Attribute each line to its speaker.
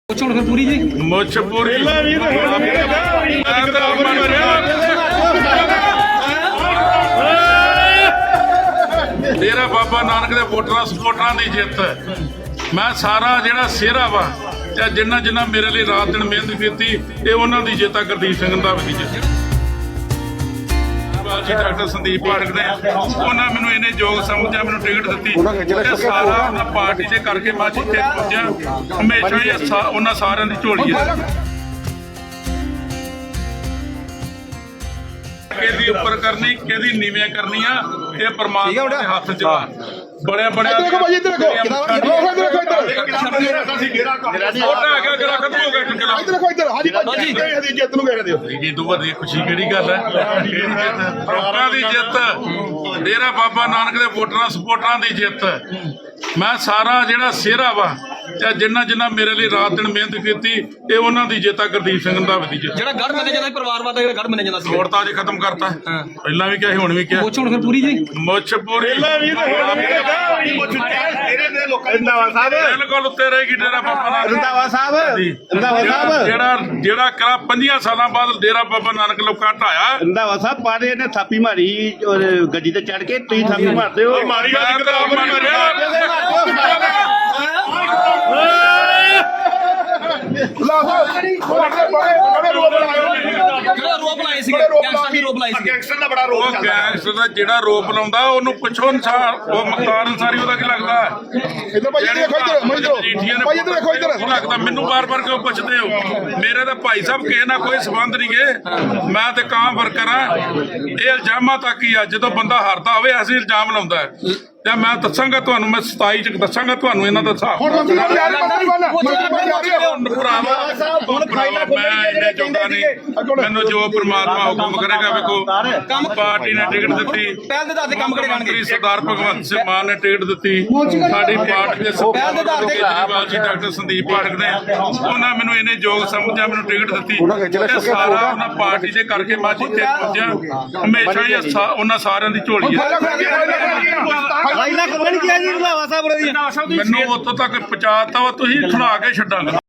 Speaker 1: पूरी जी
Speaker 2: मुझ पूरी डेरा बाबा नानक दे वोटरां सपोर्टरां दी जिੱਤ मैं सारा जिहड़ा सेहरा वा ते जिन्ना जिन्ना मेरे लिए रात दिन मेहनत कीती ये उन्हां दी जिੱਤ गुरदीप सिंह रंधावा दी जिੱਤ जी डॉक्टर संदीप पाठक ने उन्होंने मैनू इन्ने योग समझा मैनू टिकट दी सारा पार्टी से करके मैं जिथे पहुंचा हमेशा ही उन्होंने सारे की झोली है केदी उपर करनी केदी नीवे करनी है ये परमात्मा के हाथ च बड़े बड़े खुशी केड़ी गल है लोकां दी जिੱਤ डेरा बाबा नानक दे वोटरां सपोर्टरां दी जिੱਤ मैं सारा जिहड़ा सेहरा वा ते जिन्ना जिन्ना मेरे लिए रात दिन मेहनत कीती ये उन्हां दी जिੱਤ गुरदीप सिंह रंधावा दी जिੱਤ
Speaker 1: ਜਿਹੜਾ ਗੜ ਮੰਨਿਆ ਜਾਂਦਾ ਪਰਿਵਾਰਵਾਦ ਦਾ ਜਿਹੜਾ ਗੜ ਮੰਨਿਆ ਜਾਂਦਾ ਸੀ
Speaker 2: छोड़ता जी खत्म करता पहला भी क्या हुण भी क्या
Speaker 1: ਪੁੱਛ ਹੁਣ ਫਿਰ ਪੂਰੀ ਜੀ
Speaker 2: मुझ पूरी बिल्कुल उत्ते रहेगी डेरा बाबा नानक
Speaker 3: रंधावा साहब
Speaker 2: ਜਿਹੜਾ ਕਰਾ 5 ਸਾਲਾਂ ਬਾਅਦ ਡੇਰਾ ਬਾਬਾ ਨਾਨਕ ਲੋਕਾਂ ਢਾਇਆ
Speaker 3: रंधावा साहब पारे ने थापी मारी और गड्डी ते चढ़ के तुम थापी मारते हो
Speaker 2: मारी
Speaker 1: ਜਿਹੜਾ ਰੋਪ ਲਾਏ ਸੀ ਗੈਂਗਸਟਰ ਦੀ ਰੋਪ ਲਾਈ ਸੀ
Speaker 2: ਗੈਂਗਸਟਰ ਦਾ ਜਿਹੜਾ ਰੋਪ ਲਾਉਂਦਾ ਉਹਨੂੰ ਪੁੱਛੋ ਅਨਸਾਰ ਉਹ ਮਖਤਾਰ ਅਨਸਾਰੀ ਉਹਦਾ ਕੀ ਲੱਗਦਾ ਲੱਗਦਾ ਮੈਨੂੰ ਬਾਰ-ਬਾਰ ਕਿਉਂ ਪੁੱਛਦੇ ਹੋ ਮੇਰੇ ਤਾਂ ਭਾਈ ਸਾਹਿਬ ਕਿਸੇ ਨਾਲ ਕੋਈ ਸੰਬੰਧ ਨਹੀਂ ਗੇ ਮੈਂ ਤੇ ਕਾਂ ਵਰਕਰ ਆ ਇਹ ਇਲਜ਼ਾਮਾਂ ਤੱਕ ਹੀ ਆ ਜਦੋਂ ਬੰਦਾ ਹਾਰਦਾ ਹੋਵੇ ਐਸੇ ਇਲਜ਼ਾਮ ਲਾਉਂਦਾ ਤੇ ਮੈਂ ਦੱਸਾਂਗਾ ਤੁਹਾਨੂੰ ਮੈਂ 27 ਚ ਦੱਸਾਂਗਾ ਤੁਹਾਨੂੰ ਇਹਨਾਂ ਦਾ ਹਿਸਾਬ ਮੈਂ ਇਹਨੇ ਜੋਗਾ ਨਹੀਂ ਮੈਨੂੰ ਜੋ ਪ੍ਰਮਾਤਮਾ ਹੁਕਮ ਕਰੇਗਾ ਵੇਖੋ ਪਾਰਟੀ ਨੇ ਟਿਕਟ ਦਿੱਤੀ
Speaker 1: ਪਹਿਲ ਦੇ ਆਧਾਰ ਤੇ ਕੰਮ ਕਰੇ ਜਾਣਗੇ
Speaker 2: ਸਰਦਾਰ ਭਗਵੰਤ ਸਿੰਘ ਮਾਨ ਨੇ ਟਿਕਟ ਦਿੱਤੀ ਸਾਡੀ ਪਾਰਟੀ ਦੇ ਕੇਜਰੀਵਾਲ ਜੀ ਡਾਕਟਰ ਸੰਦੀਪ ਪਾਠਕ ਨੇ ਉਹਨਾਂ ਮੈਨੂੰ ਇਹਨੇ ਯੋਗ ਸਮਝਿਆ ਮੈਨੂੰ ਟਿਕਟ ਦਿੱਤੀ ਤੇ ਸਾਰਾ ਉਹਨਾਂ ਪਾਰਟੀ ਦੇ ਕਰਕੇ ਮੈਂ ਜਿੱਥੇ ਪਹੁੰਚਿਆ ਹਮੇਸ਼ਾ ਹੀ ਉਹਨਾਂ ਸਾਰਿਆਂ ਦੀ ਝੋਲੀ ਹੈ ਮੈਨੂੰ ਉੱਥੋਂ ਤੱਕ ਪਹੁੰਚਾਤਾ ਵਾ ਤੁਸੀਂ ਖੜਾ ਕੇ ਛੱਡਾਂਗਾ।